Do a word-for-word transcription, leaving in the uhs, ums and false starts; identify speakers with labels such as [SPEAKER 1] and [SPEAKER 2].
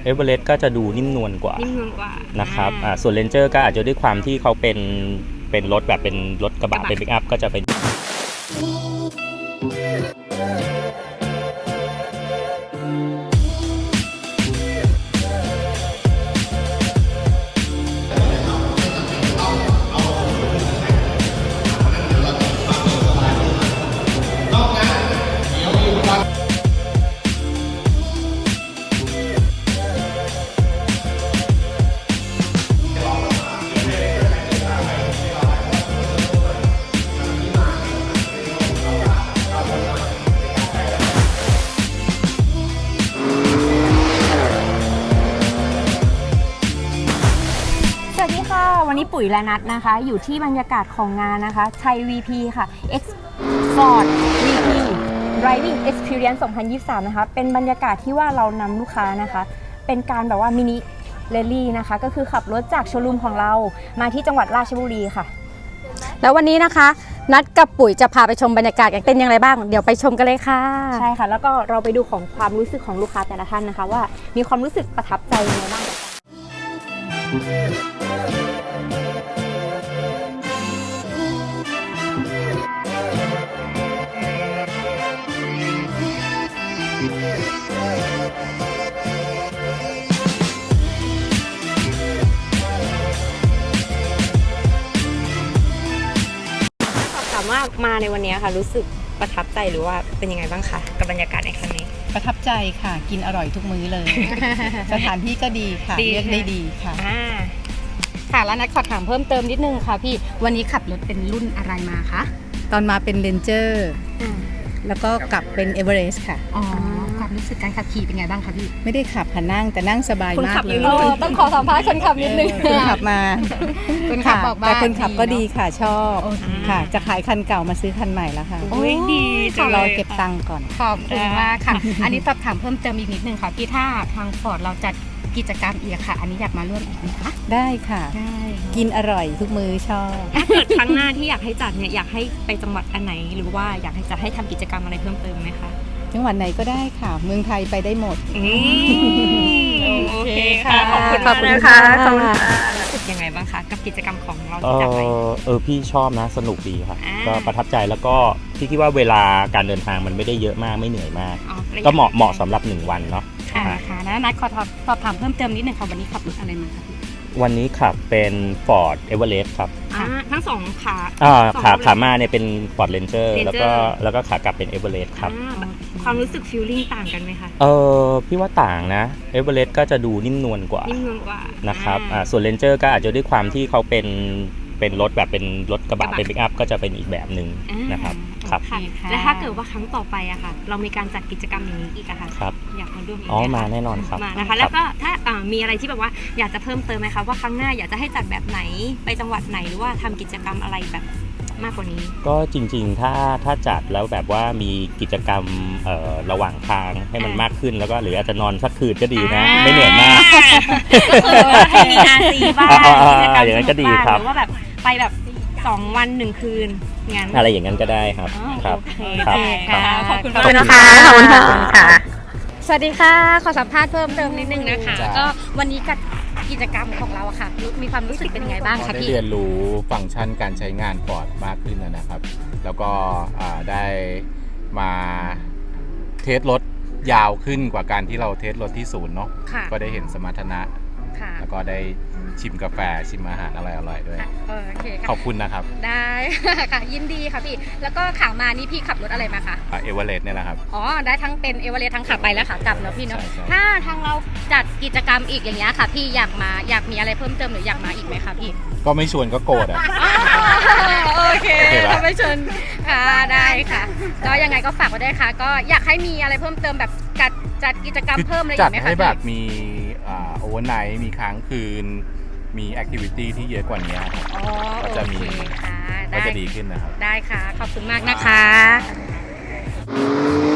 [SPEAKER 1] เอเวอเรสต์ก็จะดูนิ่มนวลกว่า
[SPEAKER 2] นิ่มนวลกว่า
[SPEAKER 1] นะครับอ่าส่วนเรนเจอร์ก็อาจจะด้วยความที่เขาเป็นเป็นรถแบบเป็นรถกระบะเป็นปิกอัพก็จะเป็น
[SPEAKER 2] วันนี้ปุ๋ยและนัทนะคะอยู่ที่บรรยากาศของงานนะคะไทย วี พี ค่ะ X Ford วี พี Driving Experience สองพันยี่สิบสามนะคะเป็นบรรยากาศที่ว่าเรานำลูกค้านะคะเป็นการแบบว่ามินิเรลลี่นะคะก็คือขับรถจากโชว์รูมของเรามาที่จังหวัดราชบุรีค่ะ
[SPEAKER 3] แล้ววันนี้นะคะนัดกับปุ๋ยจะพาไปชมบรรยากาศกันเป็นอย่างไรบ้างเดี๋ยวไปชมกันเลยค่ะ
[SPEAKER 2] ใช่ค่ะแล้วก็เราไปดูของความรู้สึกของลูกค้าแต่ละท่านนะคะว่ามีความรู้สึกประทับใจยังไงบ้างถามว่ามาในวันนี้ค่ะรู้สึกประทับใจหรือว่าเป็นยังไงบ้างคะกับบรรยากาศในครั้งนี้
[SPEAKER 4] ประทับใจค่ะกินอร่อยทุกมื้อเลย สถานที่ก็ดีค่ะเลือกได้ดีค่ะ
[SPEAKER 3] ค่ะแล้วนัดขอถามเพิ่มเติมนิดนึงค่ะพี่วันนี้ขับรถเป็นรุ่นอะไรมาคะ
[SPEAKER 4] ตอนมาเป็นเรนเจอร์แล้วก็กลับเป็นเอเวอเรสต์ค่ะ
[SPEAKER 3] อ๋อความรู้สึกการขับขี่เป็นไงบ้างคะพี่
[SPEAKER 4] ไม่ได้ขับค่ะนั่งแต่นั่งสบายมากเลย
[SPEAKER 3] ต้องขอสัมภาษณ์คนขับนิดนึง
[SPEAKER 4] คนขับมาคนขับบอกว่าแต่คนขับก็ดีค่ะชอบค่ะจะขายคันเก่ามาซื้อคันใหม่แล้วค่ะ
[SPEAKER 2] โอ้ยดีจัง
[SPEAKER 4] เลยเราเก็บตังค์ก่อน
[SPEAKER 3] ขอบคุณมากค่ะอันนี้สอบถามเพิ่มเติมอีกนิดนึงค่ะพี่ถ้าทางฟอร์ดเราจัดกิจกรรมอีกค่ะอันนี้อยากมาร่วมอีกไหมคะ
[SPEAKER 4] ได้ค่ะได้กินอร่อยทุกมื้อชอบ
[SPEAKER 2] ถ้าเกิดครั้งหน้าที่อยากให้จัดเนี่ยอยากให้ไปจังหวัดอันไหนหรือว่าอยากให้จะให้ทำกิจกรรมอะไรเพิ่มเติมไหมคะ
[SPEAKER 4] จังหวัดไหนก็ได้ค่ะเมืองไทยไปได้หมด
[SPEAKER 2] โอเคค่ะขอบคุณขอบคุณค่ะขอบคุณค่ะรู้สึกยังไงบ้างคะกับกิจกรรมของเราที่จัดไป
[SPEAKER 1] เออพี่ชอบนะสนุกดีค่ะก็ประทับใจแล้วก็พี่คิดว่าเวลาการเดินทางมันไม่ได้เยอะมากไม่เหนื่อยมากก็เหมาะเหมาะสำหรับหนึ่งวันเนาะ
[SPEAKER 3] ค่ะค่ะแล้วนัดขอสอบถามเพิ่มเติมนิดนึงค่ะวันนี้ขับรถอะไรมาคะ
[SPEAKER 1] วันนี้ขับเป็น Ford Everest ครับ
[SPEAKER 2] ทั้งสองขา
[SPEAKER 1] อ่าขาขามาเนี่ยเป็น Ford Ranger แล้วก็แล้วก็ขากลับเป็น Everest ครับ
[SPEAKER 2] ความรู้สึกฟีลลิ่งต่างกันไหมคะ
[SPEAKER 1] เออพี่ว่าต่างนะ Everest ก็จะดูนิ่มนวลกว่า
[SPEAKER 2] นิ่มนวลกว่า
[SPEAKER 1] นะครับอ่าส่วน Ranger ก็อาจจะด้วยความที่เขาเป็นเป็นรถแบบเป็นรถกระบะเป็นปิกอัพก็จะเป็นอีกแบบหนึ่งนะครับครับ
[SPEAKER 2] และถ้าเกิดว่าครั้งต่อไปอะค่ะเรามีการจัดกิจกรรมอย่างนี้อีกอะค่ะอยากมาร่วมอีก
[SPEAKER 1] อ๋อมาแน่นอนครับ
[SPEAKER 2] มานะคะแล้วก็ถ้ามีอะไรที่แบบว่าอยากจะเพิ่มเติมไหมคะว่าครั้งหน้าอยากจะให้จัดแบบไหนไปจังหวัดไหนหรือว่าทำกิจกรรมอะไรแบบมากกว่านี้
[SPEAKER 1] ก็จริงๆถ้าถ้าจัดแล้วแบบว่ามีกิจกรรมเอ่อระหว่างทางให้มันมากขึ้นแล้วก็หรืออาจจะนอนสักคืนก็ดีนะไม่เหนื่อยมาก
[SPEAKER 2] ให้มีอาซีบ้าง
[SPEAKER 1] กิจกรรมอย่างนั้นก็ดีครับ
[SPEAKER 2] หรือว่าแบบไปแบบสองวันหนึ่งคืนงั้น
[SPEAKER 1] อะไรอย่างนั้นก็ได้ครับครับ
[SPEAKER 2] ค่ะขอบคุณ
[SPEAKER 3] ขอบคุณนะคะขอบคุณค่ะสวัสดีค่ะขอสัมภาษณ์เพิ่มเติมนิดนึงนะคะก็วันนี้กับกิจกรรมของเราอะค่ะมีความรู้สึกเป็นยังไงบ้างคะพี่
[SPEAKER 5] ได้เรียนรู้ฟังก์ชันการใช้งานฟอร์ดมากขึ้นนะครับแล้วก็ได้มาเทสรถยาวขึ้นกว่าการที่เราเทสรถที่ศูนย์เนาะก็ได้เห็นสมรรถนะแล้วก็ได้ชิมกาแฟชิมอาหารอร่อยๆด้วย
[SPEAKER 3] โอเค
[SPEAKER 5] ขอบคุณนะครับ
[SPEAKER 3] ได้ค่ะยินดีค่ะพี่แล้วก็ขามานี่พี่ขับรถอะไรมาคะ
[SPEAKER 5] เอเวอเรสต์เนี่ยนะครับ
[SPEAKER 3] อ๋อได้ทั้งเป็นเอเวอเรสต์ทั้งขาไปและขากลับเนาะพี่เนาะถ้าทางเราจัดกิจกรรมอีกอย่างเงี้ยค่ะพี่อยากมาอยากมีอะไรเพิ่มเติมหรืออยากมาอีกไหมคะพี่
[SPEAKER 5] ก็ไม่ชวนก็โกรธอ่ะ
[SPEAKER 3] โอเคถ้าไม่ชวนค่ะได้ค่ะก็ยังไงก็ฝากไว้ด้วยค่ะก็อยากให้มีอะไรเพิ่มเติมแบบจัดจัดกิจกรรมเพิ่มอะไรอีกไหมคะ
[SPEAKER 5] จัดให้แบบมีโอเวอร์ไนท์มีค้างคืนมีแอคทิวิตี้ที่เยอะกว่านี้ก็จะมีก็จะดีขึ้นนะครับ
[SPEAKER 3] ได้ค่ะขอบคุณมากนะคะ